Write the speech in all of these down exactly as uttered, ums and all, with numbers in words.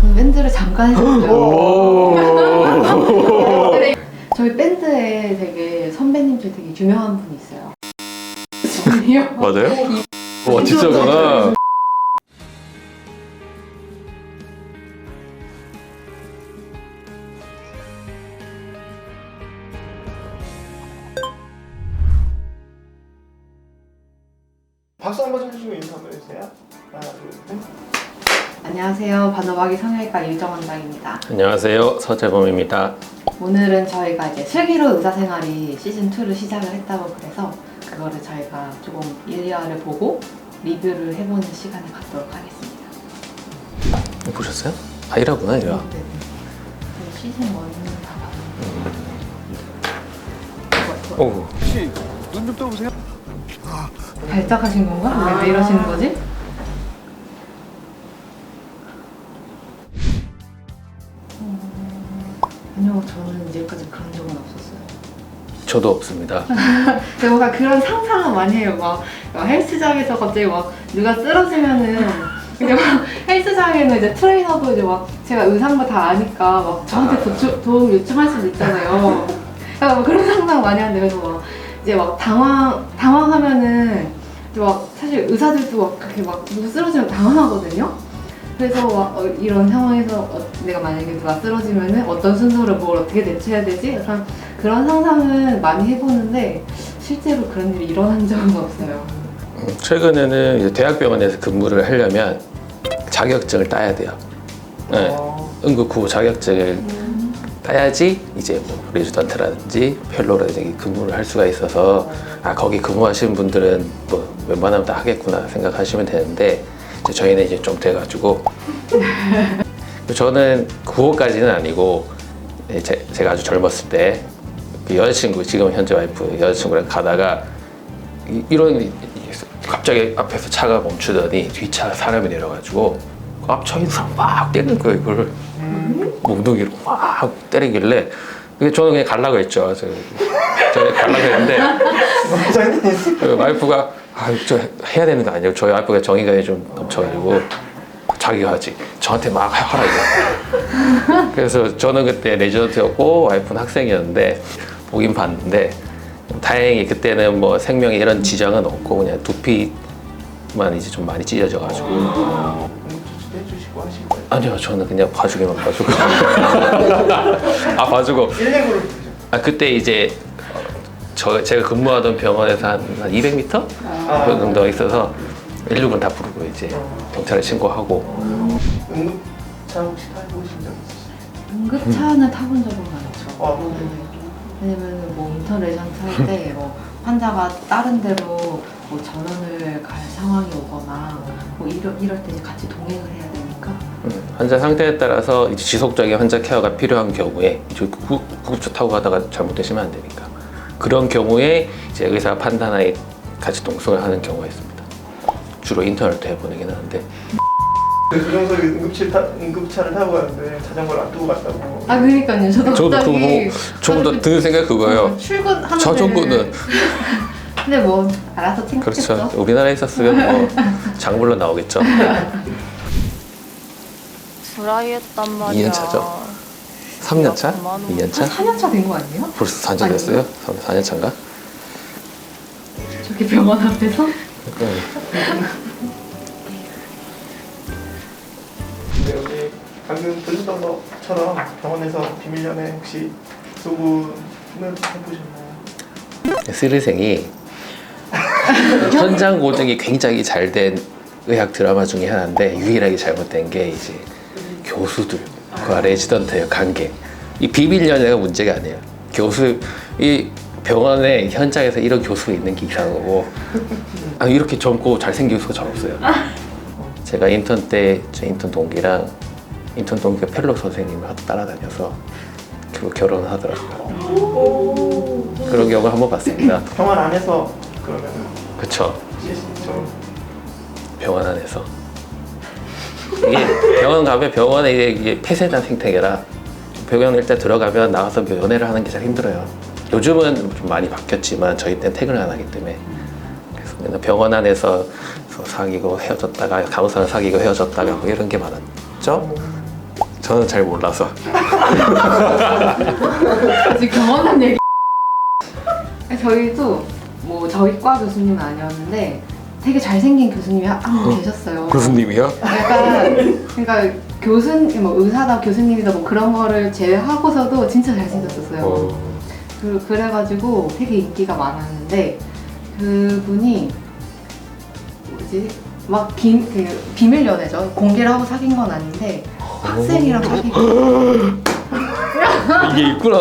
밴드를 잠깐 했었어요. 네. 저희 밴드에 되게 선배님 중에 되게 유명한 분이 있어요. 아니요. 맞아요? 와 진짜구나. 박수 한번 쳐주시고 인사 한번 해주세요. 하나, 둘, 셋. 안녕하세요. 반어박이 성형외과 유정원장입니다. 안녕하세요, 서재범입니다. 오늘은 저희가 이제 슬기로운 의사생활이 시즌이를 시작을 했다고 그래서 그거를 저희가 조금 일화를 보고 리뷰를 해보는 시간을 갖도록 하겠습니다. 보셨어요? 아 이라구나 이라. 네. 저희 시즌 일은 다 봤어요. 오. 혹시 눈 좀 떠보세요. 발작하신 건가? 왜, 왜 이러시는 거지? 음, 아니요, 저는 이제까지 그런 적은 없었어요. 저도 없습니다. 제가 뭔가 그런 상상을 많이 해요. 막, 막 헬스장에서 갑자기 막 누가 쓰러지면은 이제 막 헬스장에는 이제 트레이너도 이제 막 제가 의상도 다 아니까 막 저한테 도추, 도움 요청할 수도 있잖아요. 그러니까 뭐 그런 상상 많이 하는데 그래서 막 이제 막 당황 당황하면은 이제 막 사실 의사들도 막 그렇게 막 누구 쓰러지면 당황하거든요. 그래서 막 어, 이런 상황에서 어, 내가 만약에 누가 쓰러지면은 어떤 순서로 뭘 어떻게 대처해야 되지? 약간 그런 상상은 많이 해보는데 실제로 그런 일이 일어난 적은 없어요. 음, 최근에는 이제 대학병원에서 근무를 하려면 자격증을 따야 돼요. 네. 어, 응급구호 자격증을 따야지 이제 뭐 레지던트라든지 펠로라든지 근무를 할 수가 있어서 아 거기 근무하시는 분들은 뭐 웬만하면 다 하겠구나 생각하시면 되는데 이제 저희는 이제 좀 돼가지고 저는 구호까지는 아니고 제, 제가 아주 젊었을 때 그 여자친구 지금 현재 와이프 여자친구랑 가다가 이, 이런 갑자기 앞에서 차가 멈추더니 뒷차 사람이 내려가지고 그 앞차 있는 사람 막 때리는 거예요 이거를 몽둥이로 막 때리길래 저는 그냥 가려고 했죠. 저, 저 가려고 했는데 그 와이프가 아, 저 해야 되는 거 아니에요. 저희 와이프가 정의감이 좀 넘쳐가지고 자기가 하지 저한테 막 하라 이거. 그래서 저는 그때 레지던트였고 와이프는 학생이었는데 보긴 봤는데 다행히 그때는 뭐 생명에 이런 지장은 없고 그냥 두피만 이제 좀 많이 찢어져가지고 응급조치도 해주시고 하신 거예요? 아니요 저는 그냥 봐주기만 봐주고 아 봐주고 일일구를 아 그때 이제 저 제가 근무하던 병원에서 한, 한 이백 미터 아. 그 정도 있어서 일육은 다 부르고 이제 경찰에 신고하고 응급차 혹시 타보신 적 있으세요? 응급차는 타본 적은 많죠. 아, 네. 왜냐면 뭐 인턴 레전트 할 때 뭐 환자가 다른 데로 뭐 전원을 갈 상황이 오거나 뭐 이럴, 이럴 때 이제 같이 동행을 해야 되니까 음, 환자 상태에 따라서 이제 지속적인 환자 케어가 필요한 경우에 이제 구- 구급차 타고 가다가 잘못되시면 안 되니까 그런 경우에 이제 의사 판단하에 같이 동승을 하는 경우가 있습니다. 주로 인턴을 때 보내긴 하는데 그 조정석이 응급실 타, 응급차를 타고 가는데 자전거를 안 두고 갔다고. 아 그러니까요. 저도 저도 갑자기 그거 뭐 조금 더 드는 생각 그거예요. 출근하는 자전거는 근데 뭐 알아서 챙겼겠죠. 그렇죠. 우리나라에 있었으면 뭐 장물로 나오겠죠. 드라이 했단 말이야. 이 년 차죠? 삼 년 차? 그만 이 년 차? 사 년 차 된 거 아니에요? 벌써 사 년 됐어요? 사 년 차인가? 저기 병원 앞에서? 근데 여기 방금 들으셨던 것처럼 병원에서 비밀 연애 혹시 소문을 해보셨나요? 스리생이 현장 고증이 굉장히 잘 된 의학 드라마 중에 하나인데 유일하게 잘못된 게 이제 교수들과 레지던트의 관계. 이 비밀 연애가 문제가 아니에요. 교수 이 병원에 현장에서 이런 교수가 있는 게 이상한 거고 아, 이렇게 젊고 잘생긴 교수가 잘 없어요. 제가 인턴 때 제 인턴 동기랑 인턴 동기가 펠로 선생님을 하도 따라다녀서 결국 결혼을 하더라고요. 그런 경우 한번 봤습니다. 병원 안에서 그러면 그쵸. 좀 병원 안에서 이게 병원 가면 병원에 이게, 이게 폐쇄된 생태계라 병원 일단 들어가면 나와서 연애를 하는 게 잘 힘들어요. 요즘은 좀 많이 바뀌었지만 저희 때는 퇴근을 안 하기 때문에 그래서 맨날 병원 안에서 사귀고 헤어졌다가 간호사랑 사귀고 헤어졌다가 뭐 이런 게 많았죠. 저는 잘 몰라서. 지금 경험한 얘기. 저희도 뭐 저희 과 교수님은 아니었는데 되게 잘생긴 교수님이 한 분 계셨어요. 교수님이요? 약간 그러니까 교수님 뭐 의사다 교수님이다 뭐 그런 거를 제외하고서도 진짜 잘생겼었어요. 어. 그, 그래가지고 되게 인기가 많았는데 그분이 뭐지 막 비, 그 비밀 연애죠. 공개를 하고 사귄 건 아닌데 학생이랑 사귀고 이게 있구나.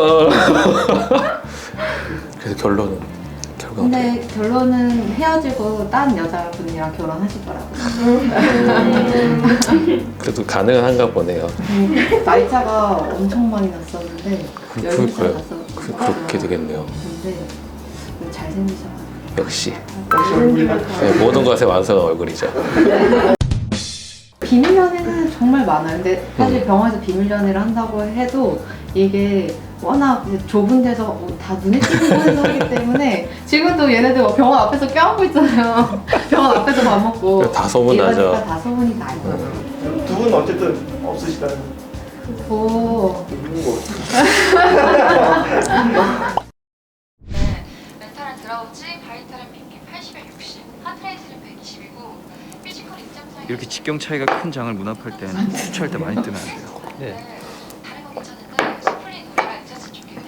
그래서 결론은 결과 어떻게? 근데 결론은 헤어지고 딴 여자분이랑 결혼하시더라고요. 그래도 가능한가 보네요. 음, 나이차가 엄청 많이 났었는데 그- 열두 살 그럴까요? 났었는데 그, 그렇게 되겠네요. 근데 잘생기셔가지고 역시 역시 얼굴이나 네, 모든 것의 완성한 얼굴이죠. 비밀 연애는 정말 많아요. 근데 사실 음. 병원에서 비밀 연애를 한다고 해도 이게 워낙 이제 좁은 데서 뭐다 눈에 띄는 곳에서 하기 때문에 지금도 얘네들 막 병원 앞에서 껴안고 있잖아요. 병원 앞에서 밥 먹고 다 소문나죠. 얘가 다 소문이 나죠. 두 분은 어쨌든 없으시다는 오, 누군 거. 멘탈은 들어오지, 바이탈은 핑계 팔십에 육십, 하트레이트는 백이십이고 피지컬 입장상에 이렇게 직경 차이가 큰 장을 문합할 때는 수치할 때 많이 뜨면 안 돼요. 네. 다른 건 괜찮은데 스플린 우리가 인자스 중에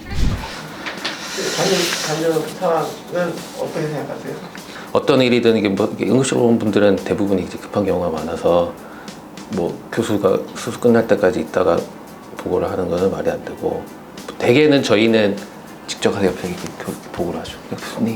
플렉스 관련 관련 상황은 어떻게 생각하세요? 어떤 일이든 이게 뭐 이게 응급실 온 분들은 대부분 이제 급한 경우가 많아서 뭐 교수가 수술 끝날 때까지 있다가 보고를 하는 거는 말이 안 되고 대개는 저희는 직접 가서 옆에 이렇게 교- 보고를 하죠. 교수님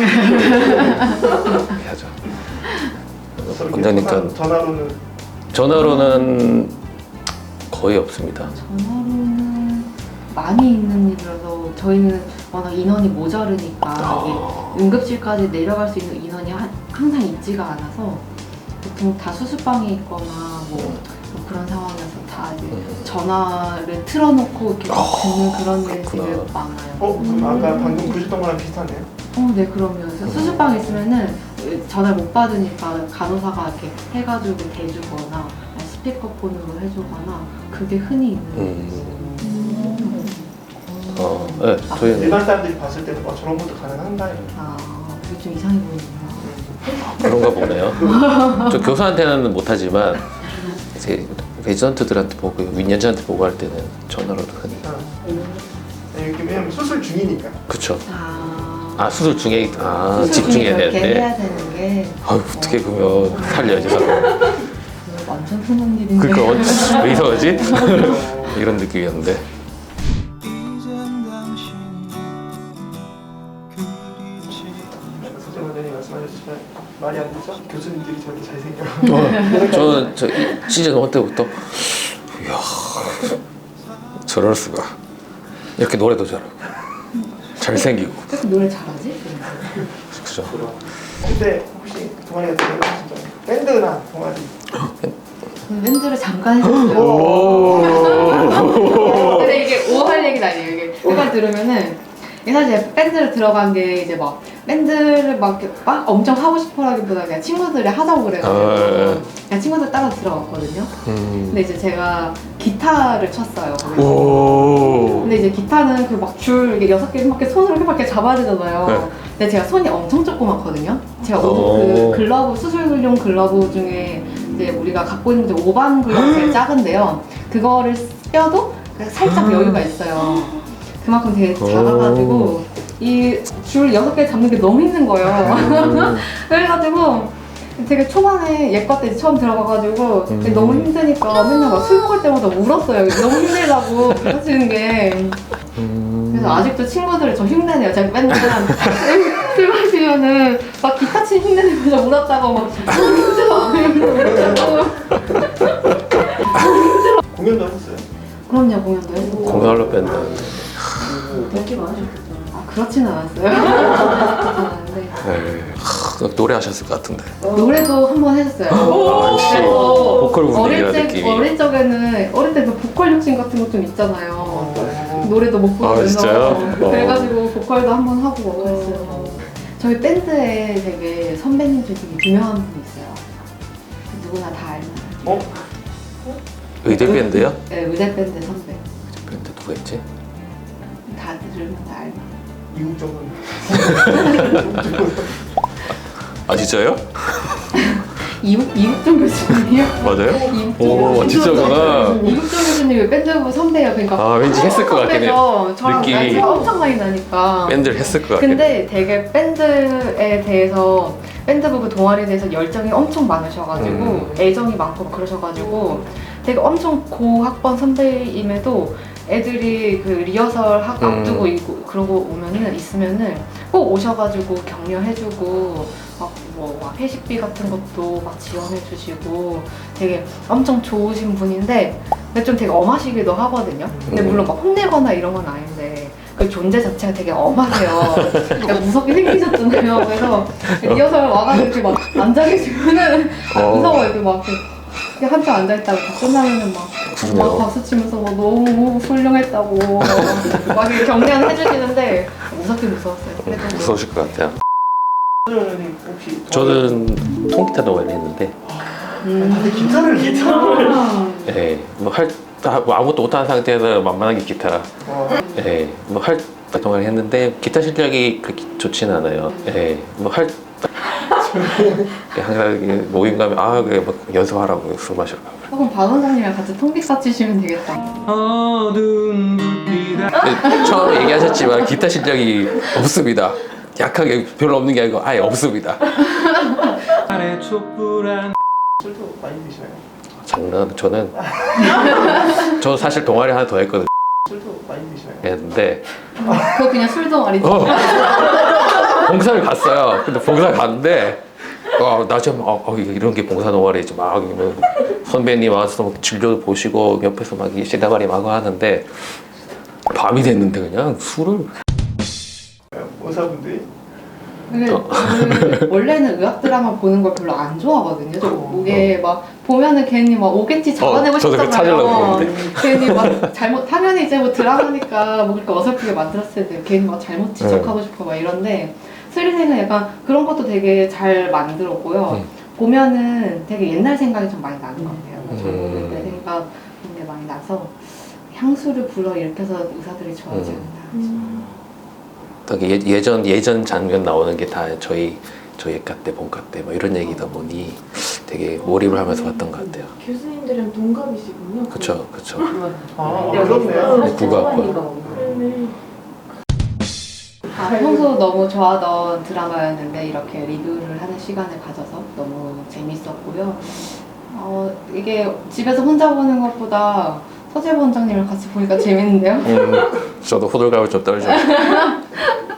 이렇게 하죠. 저렇게 원장님과 전화- 전화로는 전화로는 거의 없습니다. 전화로는 많이 있는 일이라서 저희는 워낙 인원이 모자르니까 이게 응급실까지 내려갈 수 있는 인원이 하- 항상 있지가 않아서 보통 다 수술방에 있거나 뭐, 뭐 그런 상황에서 다 이제 음. 전화를 틀어놓고 이렇게 듣는 그런 일이 되게 그렇구나. 많아요. 어? 그럼 아까 방금 보셨던 거랑 비슷하네요? 어, 네, 그럼요. 그래서 수술방에 있으면은 전화를 못 받으니까 간호사가 이렇게 해가지고 대주거나 스피커폰으로 해주거나 그게 흔히 있는 음. 음. 어, 네, 저희는 일반 사람들이 봤을 때는 어, 저런 것도 가능한가? 이렇게. 아, 그게 좀 이상해 보이는구나. 그런가 보네요. 저 교수한테는 못하지만 이제 레지던트들한테 보고 윈년자한테 보고할 때는 전화로도 흔히. 아. 네, 이렇게 왜냐면 수술 중이니까. 그쵸. 아, 아 수술 중에 아 수술 중에 집중해야 그렇게 되는데. 해야 되는 게 아유 어떻게 그러면 살려야지 사람. 그거 완전 흔한 일인데. 그러니까 어, 왜 이러지? 이런 느낌이었는데. 서재 원장님 말씀하셨지만 말이 안 되죠? 교수님들이 저렇게 잘생겨. 저는 저 이- 시즌 일 때부터 이야 저럴 수가 이렇게 노래도 잘하고 잘생기고 왜 이렇게 노래 잘하지? 그죠. 근데 혹시 동아리 같은 거 진짜 밴드나 동아리 저는 밴드를 잠깐 했었어요. 근데 이게 오할 얘기는 아니에요. 이게 그걸 들으면은 이게 사실 밴드를 들어간 게 이제 막 밴드를 막, 이렇게 막 엄청 하고 싶어라기보다 그냥 친구들이 하자고 그래가지고 아, 예. 그냥 친구들 따라 들어갔거든요. 음. 근데 이제 제가 기타를 쳤어요. 거기서. 오. 근데 이제 기타는 그 막 줄 이게 여섯 개 이렇게 손으로 이렇게 잡아야 되잖아요. 네. 근데 제가 손이 엄청 조그맣거든요. 제가 옷, 오. 그 글러브 수술용 글러브 중에 이제 우리가 갖고 있는 게 오반 글러브 제일 작은데요. 그거를 껴도 살짝 여유가 있어요. 그만큼 되게 작아가지고 이 줄 여섯 개 잡는 게 너무 힘든 거예요. 그래가지고 되게 초반에 예과 때 처음 들어가가지고 음. 너무 힘드니까 맨날 막 술 먹을 때마다 울었어요. 너무 힘들다고 하시는 게. 음. 그래서 아직도 친구들이 저 흉내내요. 제가 맨날 술 마시면은 막 기타 치 흉내내면서 울었다고 막 힘들어 이러고. 공연도 하셨어요? 그럼요, 공연도 했었죠. 공연로 밴드. 아, 그렇진 않았어요. 그렇진 않았는데. 네. 하, 노래하셨을 것 같은데. 노래도 한 번 했었어요. 아, 역시 그래서 보컬 분위기라 어릴 때, 느낌이. 어릴 적에는 어릴 때 그 보컬 욕심 같은 거 좀 있잖아요. 어. 노래도 못 아, 부르면서 진짜요? 어. 그래가지고 보컬도 한 번 하고 뭐 그랬어요. 저희 밴드에 되게 선배님 중에 되게 유명한 분이 있어요. 누구나 다 알만한. 어? 의대 밴드요? 네, 의대 밴드 선배. 밴드 누가 있지? 다 들으면 다 알고. 이국적은 아 진짜요? 이국 이국종 교수님이요? 맞아요? 이국종 오 교수님. 진짜구나. 이국종 교수님이 밴드부 선배예요. 그러니까 아 왠지 했을 것 같긴 해요. 선배죠. 저랑 느낌이. 나이가 엄청 많이 나니까. 밴드를 했을 것 같긴 해요. 근데 되게 밴드에 대해서 밴드부 그 동아리에 대해서 열정이 엄청 많으셔가지고 음. 애정이 많고 그러셔가지고 되게 엄청 고학번 선배임에도 애들이 그 리허설 하, 음. 앞두고 있고 그러고 오면은 있으면은 꼭 오셔가지고 격려해주고 막뭐 회식비 같은 것도 막 지원해주시고 되게 엄청 좋으신 분인데 근데 좀 되게 엄하시기도 하거든요. 근데 음. 물론 막 혼내거나 이런 건 아닌데 그 존재 자체가 되게 엄하세요. 그러니까 무섭게 생기셨잖아요. 그래서 리허설 와가지고 이렇게 막 앉아 계시면은 어. 무서워 이렇게 막 이렇게 한참 앉아 있다가 다 끝나면은 막, 그러네요. 막 박수 치면서 막 너무 훌륭했다고 막 이렇게 격려는 해주시는데 무섭게 무서웠어요. 그래도 무서우실 것 같아요. 선생님 혹시 저는 통기타 동아리 했는데 다들 기타를 기타를 예, 뭐할 뭐 아무것도 못하는 상태에서 만만하게 기타 어, 예, 뭐할 동아리 했는데 기타 실력이 그렇게 좋지는 않아요. 예, 뭐할 항상 이렇게 모임 가면 아 그래 뭐 연습하라고 술 마시러 가고 그럼 박 원장님이랑 같이 통기타 치시면 되겠다. 어두운 불빛 예, 처음에 얘기하셨지만 기타 실력이 없습니다. 약하게 별로 없는 게 아니고 아예 없습니다. 아래 촛불한 술도 많이 드셔요. 장난 저는 저 사실 동아리 하나 더 했거든요. 술도 많이 드셔요. 했는데 그거 그냥 술동아리죠. 어. 봉사를 갔어요. 근데 봉사 갔는데 어, 나 지금 어, 어, 이런 게 봉사 동아리지 막 뭐, 선배님 와서 막 진료도 보시고 옆에서 막 시다발이 막 하는데 밤이 됐는데 그냥 술을 의사분들이 근데 어. 저는 원래는 의학 드라마 보는 걸 별로 안 좋아하거든요. 저 이게 막 보면은 괜히 막 오겠지 잡아내고 어, 저도 그거 싶잖아요. 찾으려고 그러는데. 괜히 막 잘못 당연히 이제 뭐 드라마니까 뭐 그렇게 어설프게 만들었어야 돼요. 괜히 막 잘못 지적하고 싶어 막 이런데 스리생은 약간 그런 것도 되게 잘 만들었고요. 음. 보면은 되게 옛날 생각이 좀 많이 나는 것 같아요. 저도 음. 그때 생각 그런 게 많이 나서 향수를 불러 일으켜서 의사들이 좋아하지 않나. 딱 예, 예전 예전 장면 나오는 게 다 저희 저희 과 때 본과 때 뭐 이런 얘기다 보니 되게 몰입을 하면서 봤던 것 같아요. 교수님들은 동갑이시군요. 그쵸 그쵸. 아 네, 그렇네요. 네, 국악과. 네네. 아, 평소 너무 좋아하던 드라마였는데 이렇게 리뷰를 하는 시간을 가져서 너무 재밌었고요. 어, 이게 집에서 혼자 보는 것보다 서재부 원장님을 같이 보니까 재밌는데요? 음, 저도 호들갑을 좀 떨죠.